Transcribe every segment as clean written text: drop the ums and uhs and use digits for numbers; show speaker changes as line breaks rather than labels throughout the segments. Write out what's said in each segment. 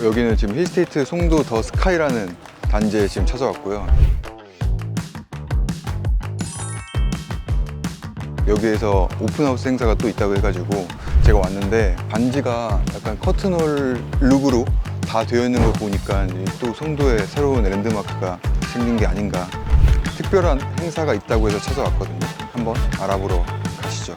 여기는 지금 힐스테이트 송도 더 스카이라는 단지에 지금 찾아왔고요. 여기에서 오픈하우스 행사가 또 있다고 해가지고 제가 왔는데, 반지가 약간 커튼홀 룩으로 다 되어 있는 걸 보니까 또 송도에 새로운 랜드마크가 생긴 게 아닌가. 특별한 행사가 있다고 해서 찾아왔거든요. 한번 알아보러 가시죠.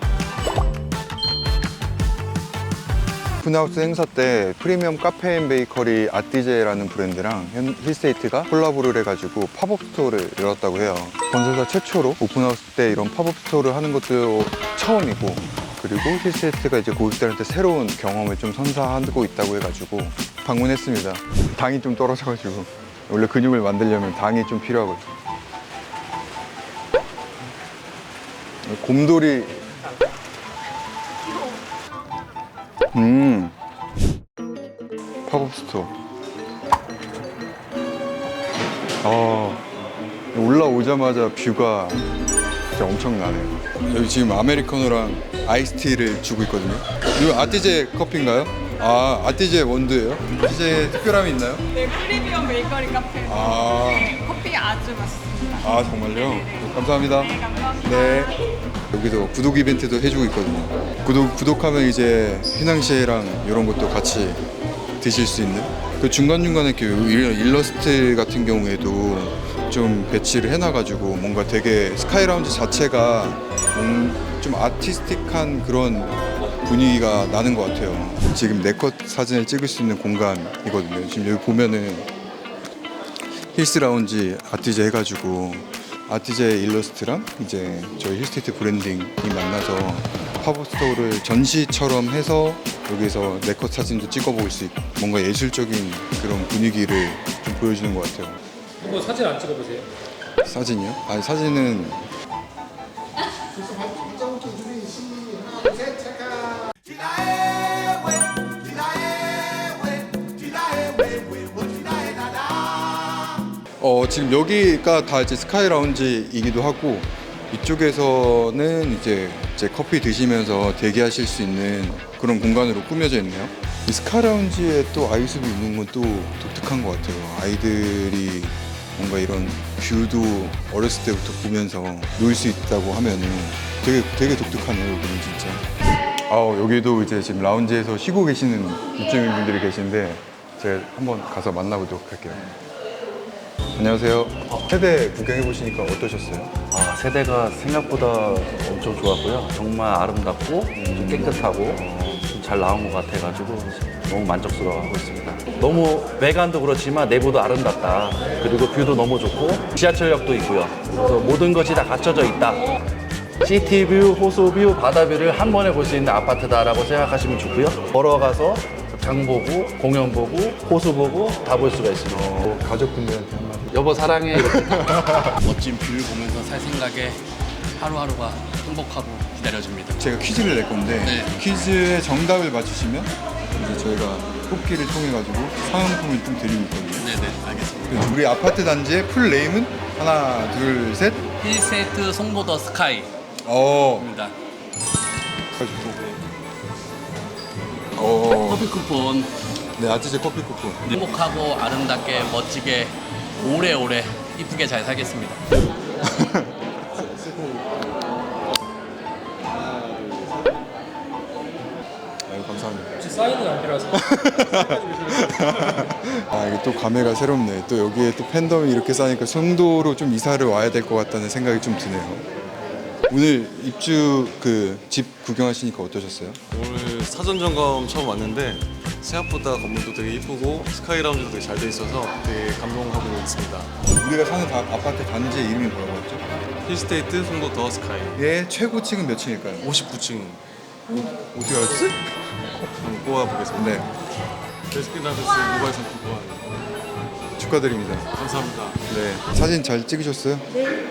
오픈하우스 행사 때 프리미엄 카페 앤 베이커리 아띠제라는 브랜드랑 힐스테이트가 콜라보를 해가지고 팝업 스토어를 열었다고 해요. 건설사 최초로 오픈하우스 때 이런 팝업 스토어를 하는 것도 처음이고, 그리고 힐스테이트가 이제 고객들한테 새로운 경험을 좀 선사하고 있다고 해가지고 방문했습니다. 당이 좀 떨어져가지고, 원래 근육을 만들려면 당이 좀 필요하거든요. 곰돌이. 팝업 스토어. 올라오자마자 뷰가 진짜 엄청나네요. 여기 지금 아메리카노랑 아이스티를 주고 있거든요. 이거 아띠제 커피인가요? 아, 아띠제 원두예요? 아띠제 특별함이 있나요?
네, 프리미엄 베이커리 카페에서 네, 커피가 아주 맛있습니다.
아, 정말요?
네네.
감사합니다.
네, 감사합니다.
네. 여기서 구독 이벤트도 해주고 있거든요. 구독하면 이제 휘낭시에랑 이런 것도 같이 드실 수 있는, 그 중간중간에 이렇게 일러스트 같은 경우에도 좀 배치를 해놔가지고 뭔가 되게 스카이 라운지 자체가 좀 아티스틱한 그런 분위기가 나는 것 같아요. 지금 네컷 사진을 찍을 수 있는 공간이거든요. 지금 여기 보면은 힐스 라운지 아티제 해가지고 아티제 일러스트랑 이제 저희 힐스테이트 브랜딩이 만나서 팝업 스토어를 전시처럼 해서 여기서 네컷 사진도 찍어볼 수 있고, 뭔가 예술적인 그런 분위기를 좀 보여주는 것 같아요.
이거 사진 안 찍어보세요?
사진이요? 아니, 사진은 지금 여기가 다 이제 스카이 라운지이기도 하고, 이쪽에서는 이제 커피 드시면서 대기하실 수 있는 그런 공간으로 꾸며져 있네요. 이 스카이 라운지에 또 아이숲이 있는 건 또 독특한 것 같아요. 아이들이 뭔가 이런 뷰도 어렸을 때부터 보면서 놀 수 있다고 하면은 되게 독특하네요. 여기는 진짜. 여기도 이제 지금 라운지에서 쉬고 계시는 입주민분들이 계신데, 제가 한번 가서 만나보도록 할게요. 안녕하세요. 세대 구경해 보시니까 어떠셨어요?
세대가 생각보다 엄청 좋았고요. 정말 아름답고 좀 깨끗하고 좀 잘 나온 것 같아가지고 너무 만족스러워하고 있습니다. 너무 외관도 그렇지만 내부도 아름답다. 그리고 뷰도 너무 좋고 지하철역도 있고요. 그래서 모든 것이 다 갖춰져 있다. 시티뷰, 호수뷰, 바다뷰를 한 번에 볼 수 있는 아파트다라고 생각하시면 좋고요. 걸어가서 장 보고 공연 보고 호수 보고 다 볼 수가 있습니다.
가족분들한테 한마디.
여보 사랑해.
멋진 뷰를 보면서 살 생각에 하루하루가 행복하고 기다려집니다.
제가 퀴즈를 낼 건데,
네.
퀴즈의 정답을 맞추시면 이제 저희가 뽑기를 통해 가지고 상품을 좀 드리고 있거든요.
네네, 알겠습니다.
그래서 우리 아파트 단지의 풀 네임은 하나, 둘, 셋.
힐스테이트 송도 더 스카이입니다. 커피 쿠폰
네, 아티제 커피 쿠폰.
행복하고 아름답게 멋지게 오래오래 이쁘게 잘 살겠습니다.
아유, 감사합니다.
혹시 사인은 안 필요하세요?
이게 또 감회가 새롭네. 또 여기에 또 팬덤이 이렇게 쌓이니까 송도로 좀 이사를 와야 될 것 같다는 생각이 좀 드네요. 오늘 입주 그 집 구경하시니까 어떠셨어요?
오늘 사전 점검 처음 왔는데 생각보다 건물도 되게 이쁘고 스카이 라운지도 되게 잘 돼 있어서 되게 감동하고 있습니다.
우리가 사는 아파트 단지의 이름이 뭐라고 했죠?
힐스테이트 송도 더 스카이
얘 최고층은 몇 층일까요?
59층
어떻게 알았지?
한번 뽑아보겠습니다.
네,
베스킨라빈스 모바일 상품권
축하드립니다.
감사합니다.
네, 사진 잘 찍으셨어요? 네.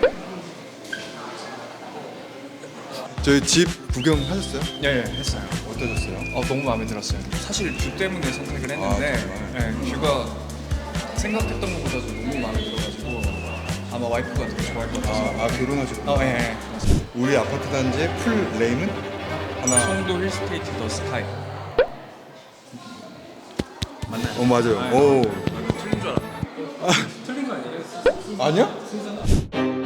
저희 집 구경하셨어요?
네, 했어요.
어떠셨어요?
너무 마음에 들었어요. 사실 뷰 때문에 선택을 했는데
정말?
네, 뷰가 생각했던 것보다도 너무 마음에 들어가지고 아마 와이프가 되게 좋아할 것 같아서.
결혼하셨구나.
네.
우리 아파트 단지의 풀 네임은 하나.
송도 힐스테이트 더 스카이.
어 맞아요. 오.
틀린 줄 알았네.
틀린 거 아니에요?
아니야?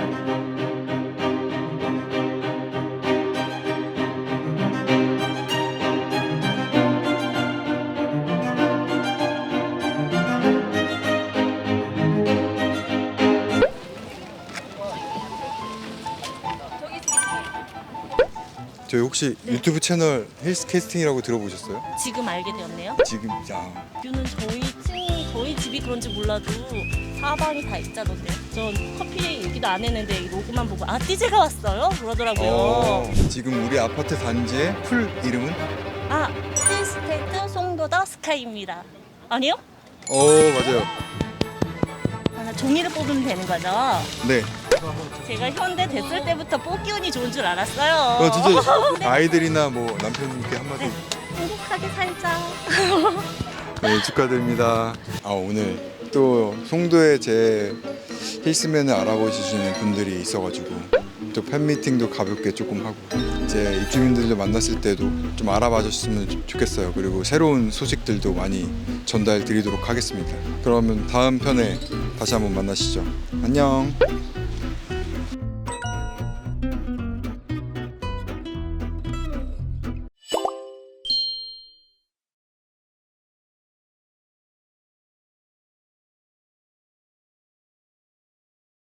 저희 혹시 유튜브 채널 헬스 캐스팅이라고 들어보셨어요?
지금 알게 되었네요.
지금 야
뷰는 저희 집이 그런지 몰라도 사방이 다 있자던데요. 전 커피 얘기도 안 했는데 이 로고만 보고 아 띠제가 왔어요? 그러더라고요.
지금 우리 아파트 단지의 풀 이름은?
아 힐스테이트 송도더 스카이입니다. 아니요?
맞아요.
아, 나 종이를 뽑으면 되는 거죠?
네.
제가 현대 됐을 때부터 뽑기 운이 좋은 줄 알았어요.
진짜
네.
아이들이나 뭐 남편님께 한마디.
네. 행복하게 살자.
네, 축하드립니다. 오늘 또 송도에 제 힐스맨을 알아보시는 분들이 있어가지고 또 팬미팅도 가볍게 조금 하고 이제 입주민들도 만났을 때도 좀 알아봐 줬으면 좋겠어요. 그리고 새로운 소식들도 많이 전달 드리도록 하겠습니다. 그러면 다음 편에 다시 한번 만나시죠. 안녕.